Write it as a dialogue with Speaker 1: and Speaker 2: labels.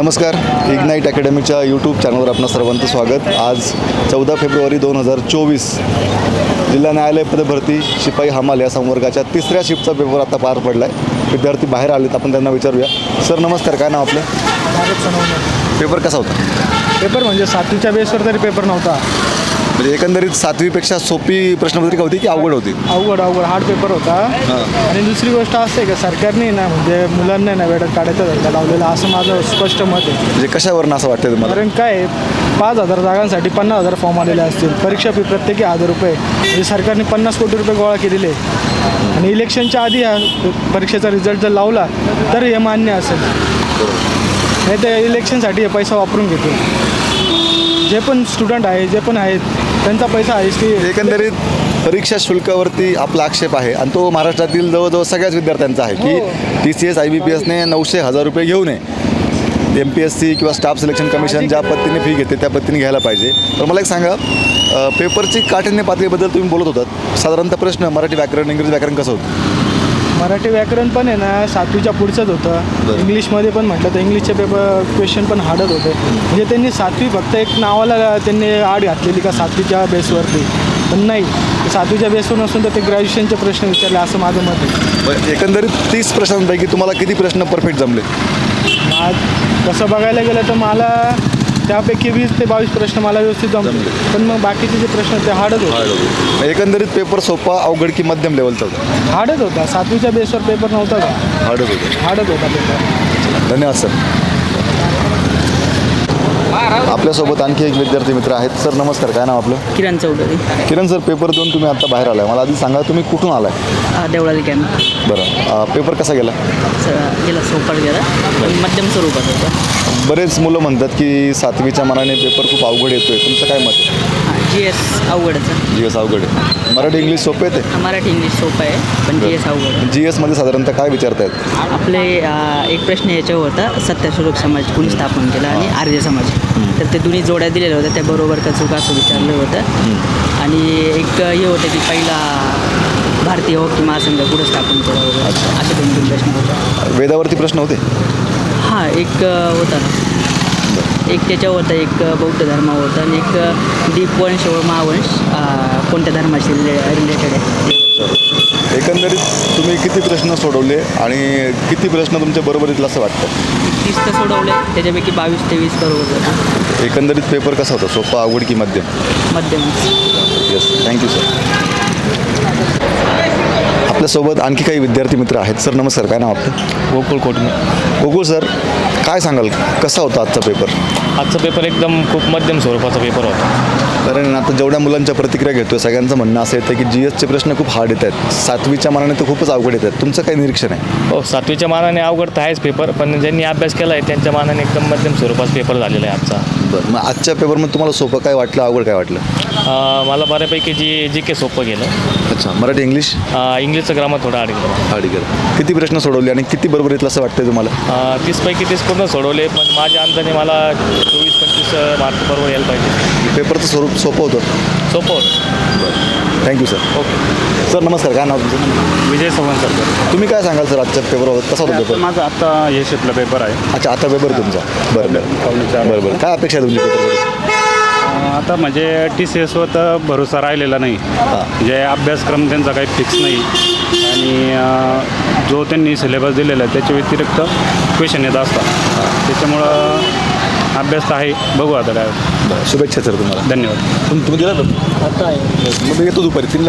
Speaker 1: नमस्कार, ignite अकॅडमीच्या YouTube चॅनलवर आपलं सर्वांचं स्वागत। आज 14 फेब्रुवारी 2024 जिल्हा न्यायालय पदभरती शिपाई हमाल या संवर्गाच्या तिसऱ्या शिफ्टचा पेपर आता पार पडला आहे। विद्यार्थी बाहेर आलेत, आपण त्यांना विचारूया। सर नमस्कार, काय नाव आपलं? पेपर कसा होता?
Speaker 2: पेपर म्हणजे 7वीच्या बेसवर तरी पेपर नव्हता।
Speaker 1: म्हणजे एकंदरीत 7वीपेक्षा सोपी प्रश्नपत्रिका होती की अवघड होती?
Speaker 2: अवघड हार्ड पेपर होता। आणि दुसरी गोष्ट असं आहे की सरकारने ना म्हणजे मुलांना ना वेळात काढायचा धंदा लावलेला, असं माझं स्पष्ट मत आहे।
Speaker 1: म्हणजे कशावरून असं वाटतं तुम्हाला?
Speaker 2: कारण काय 5,000 जागांसाठी 50,000 फॉर्म आलेले असतील, परीक्षा फी प्रत्येकी 1,000 रुपये, म्हणजे सरकारने 50 कोटी रुपये गोळा केलेले आणि इलेक्शनच्या आधी हा परीक्षेचा रिझल्ट जर लावला तर हे मान्य असेल, नाही तर इलेक्शनसाठी हे पैसा वापरून घेतो। जे पण स्टुडंट आहे, जे पण आहेत त्यांचा पैसा आहेच की।
Speaker 1: एकंदरीत परीक्षा शुल्कावरती आपला आक्षेप आहे आणि तो महाराष्ट्रातील जवळजवळ सगळ्याच विद्यार्थ्यांचा आहे की TCS IBPSने 900-1000 रुपये घेऊ नये। MPSC किंवा स्टाफ सिलेक्शन कमिशन ज्या पद्धतीने फी घेते त्या पद्धतीने घ्यायला पाहिजे। तर मला एक सांगा, पेपरची काठिण्य पातळीबद्दल तुम्ही बोलत होतात, साधारणतः प्रश्न मराठी व्याकरण, इंग्रजी व्याकरण कसं होतं?
Speaker 2: मराठी व्याकरण पण आहे ना 7वीच्या पुढचंच होतं। इंग्लिशमध्ये पण म्हटलं तर इंग्लिशचे पेपर क्वेश्चन पण हार्डच होते। म्हणजे त्यांनी 7वी फक्त एक नावाला त्यांनी आड घातलेली का 7वीच्या बेसवरती, पण नाही, 7वीच्या बेसवर नसून तर ते ग्रॅज्युएशनचे प्रश्न विचारले असं माझं मत आहे।
Speaker 1: एकंदरीत 30 प्रश्नांपैकी तुम्हाला किती प्रश्न परफेक्ट जमले?
Speaker 2: आज तसं बघायला गेलं तर मला त्यापैकी 20 ते 22 प्रश्न मला व्यवस्थित जमले, पण मग बाकीचे जे प्रश्न ते हार्डच होते।
Speaker 1: एकंदरीत पेपर सोपा, अवघड की मध्यम लेवलचा होता?
Speaker 2: हार्डच होता। 7वीच्या बेसवर पेपर नव्हता का? हार्डच होता पेपर।
Speaker 1: धन्यवाद सर। आपल्यासोबत आणखी एक विद्यार्थी मित्र आहेत। सर नमस्कार, काय नाव आपलं?
Speaker 3: किरण चौधरी।
Speaker 1: किरण सर, पेपर देऊन तुम्ही आता बाहेर आलाय, मला आधी सांगा तुम्ही कुठून आलाय?
Speaker 3: देवळाली कॅम्प।
Speaker 1: बरं, पेपर कसा गेला?
Speaker 3: गेला सोपट गेला, पण मध्यम स्वरूपात होता।
Speaker 1: बरेच मुलं म्हणतात की 7वीच्या मानाने पेपर खूप अवघड येतोय, तुमचं काय मत आहे?
Speaker 3: GS अवघडच आहे।
Speaker 1: GS अवघड आहे? मराठी इंग्लिश सोपे येते?
Speaker 3: मराठी इंग्लिश सोपं आहे, पण GS अवघड आहे।
Speaker 1: GS मध्ये साधारणतः काय विचारतायत?
Speaker 3: आपले एक प्रश्न याच्यावर होता, सत्यास्वरूप समाज कोणी स्थापन केला आणि आर्य समाज, तर ते दोन्ही जोड्या दिलेल्या होत्या, त्या बरोबर का चुका असं विचारलं होतं। आणि एक हे होतं की पहिला भारतीय हॉकी महासंघ कुठं स्थापन केला होता, असे 2 प्रश्न होते।
Speaker 1: वेदावरती प्रश्न होते?
Speaker 3: हां, एक होता ना, एक त्याच्यावर होता, एक बौद्ध धर्मावर होता आणि एक दीपवंश व महावंश कोणत्या धर्माशी रिलेटेड आहे।
Speaker 1: एकंदरीत तुम्ही किती प्रश्न सोडवले आणि किती प्रश्न तुमच्या बरोबरीतलं असं वाटतं?
Speaker 3: 30 तर सोडवले, त्याच्यापैकी 22 ते 20 बरोबर होतं।
Speaker 1: एकंदरीत पेपर कसा होता, सोपा, अवघड की मध्यम?
Speaker 3: मध्यम।
Speaker 1: Yes, thank you sir. आपल्यासोबत आणखी काही विद्यार्थी मित्र आहेत। सर नमस्कार, काय नाव आपलं?
Speaker 4: गोकुळ कोटमे।
Speaker 1: गोकुळ सर, काय सांगाल कसा होता आजचा पेपर?
Speaker 4: आजचा पेपर एकदम खूप मध्यम स्वरूपाचा पेपर होता।
Speaker 1: कारण आता जेवढ्या मुलांच्या प्रतिक्रिया घेतोय सगळ्यांचं म्हणणं असं येतं की GSचे प्रश्न खूप हार्ड येत आहेत, 7वीच्या मानाने तर खूपच अवघड येत आहेत, तुमचं काय निरीक्षण आहे?
Speaker 4: हो, 7वीच्या मानाने अवघड तर आहेच पेपर, पण ज्यांनी अभ्यास केला आहे त्यांच्या मानाने एकदम मध्यम स्वरूपाचा पेपर झालेला आहे आजचा।
Speaker 1: बरं, मग आजच्या पेपरमध्ये तुम्हाला सोपं काय वाटलं, अवघड काय वाटलं?
Speaker 4: मला बऱ्यापैकी GK सोपं गेलं।
Speaker 1: अच्छा, मराठी इंग्लिश?
Speaker 4: इंग्लिशचं ग्रामर थोडं अडकलं।
Speaker 1: हार्ड गेलं। किती प्रश्न सोडवले आणि किती बरोबरीतलं असं वाटतंय तुम्हाला?
Speaker 4: 30पैकी 30 पूर्ण सोडवले, पण माझ्या अंदाने मला 24-25 मार्क बरोबर यायला पाहिजे।
Speaker 1: पेपरचं स्वरूप सोपं होतं?
Speaker 4: सोपं होतं।
Speaker 1: Thank you sir.
Speaker 4: ओके
Speaker 1: सर नमस्कार, काय नाव तुमचं?
Speaker 5: विजय चव्हाण सर।
Speaker 1: तुम्ही काय सांगाल सर, आजच्या पेपरवर कसा होता पेपर?
Speaker 5: माझा आता हे शिफ्टला पेपर आहे।
Speaker 1: अच्छा, आता पेपर तुमचा? बरं बरं, काय अपेक्षा आहे तुमची पेपरवर?
Speaker 5: आता म्हणजे TCSवर तर भरोसा राहिलेला नाही, म्हणजे अभ्यासक्रम त्यांचा काही फिक्स नाही आणि जो त्यांनी सिलेबस दिलेला आहे त्याच्या व्यतिरिक्त क्वेश्चन येत असतात, त्याच्यामुळं अभ्यास तर आहे, बघू आता काय।
Speaker 1: शुभेच्छा सर तुम्हाला।
Speaker 5: धन्यवाद।
Speaker 1: तुम्ही दिला तर?
Speaker 2: आता आहे
Speaker 1: मग मी येतो दुपारी 3